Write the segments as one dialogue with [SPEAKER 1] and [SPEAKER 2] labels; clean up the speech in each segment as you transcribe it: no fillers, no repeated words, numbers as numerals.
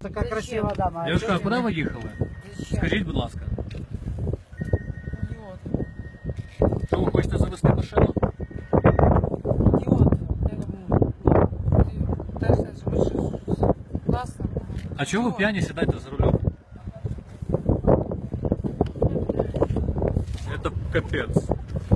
[SPEAKER 1] Така красива дама. А
[SPEAKER 2] Дівчатка, а
[SPEAKER 1] чого
[SPEAKER 2] куди
[SPEAKER 1] ні?
[SPEAKER 2] ви їхали?
[SPEAKER 3] Зачем?
[SPEAKER 2] Скажіть, будь ласка,
[SPEAKER 3] Идиот.
[SPEAKER 2] що ви хочете завести машину?
[SPEAKER 3] Идиот. Я говорю, ты пытаешься совершить классно.
[SPEAKER 2] А чого ви
[SPEAKER 3] Идиот.
[SPEAKER 2] п'яні сідаєте за рулем? Это капец.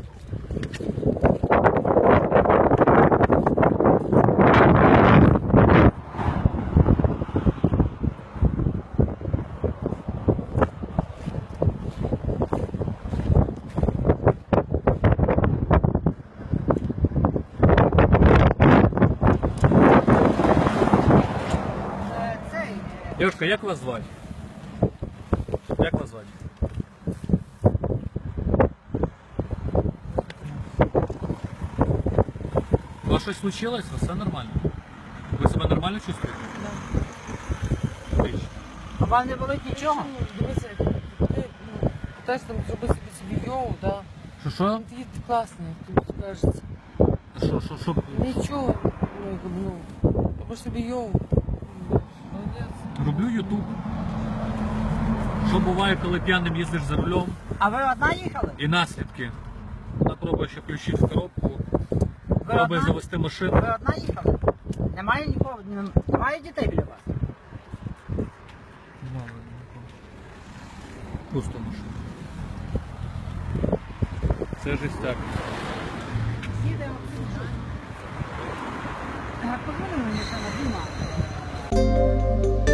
[SPEAKER 1] Цей,
[SPEAKER 2] Девушка, як вас звати? Як вас звати? У вас щось случилось? Все нормально? Ви себе нормально чувствуєте?
[SPEAKER 3] Да.
[SPEAKER 2] Отлично.
[SPEAKER 1] а вам не болить нічого?
[SPEAKER 3] Ну, дивися, ти питаєш там зробити собі йоу, да.
[SPEAKER 2] Що?
[SPEAKER 3] Ну, ти класний, тобі кажеться.
[SPEAKER 2] Що?
[SPEAKER 3] Нічого, ну, якби, ну, робиш собі йоу. Молодець.
[SPEAKER 2] Роблю ютуб. Що буває, коли п'яним їздиш за рулем?
[SPEAKER 1] А ви одна їхали?
[SPEAKER 2] І наслідки. Вона пробує ще включити в коробку, пробує
[SPEAKER 1] одна?
[SPEAKER 2] завести машину.
[SPEAKER 1] Ви одна їхали? Немає нікого, немає дітей біля вас?
[SPEAKER 2] Пусто машина. Це жестяк.
[SPEAKER 1] Їдемо. Позвони мені, що на Діма.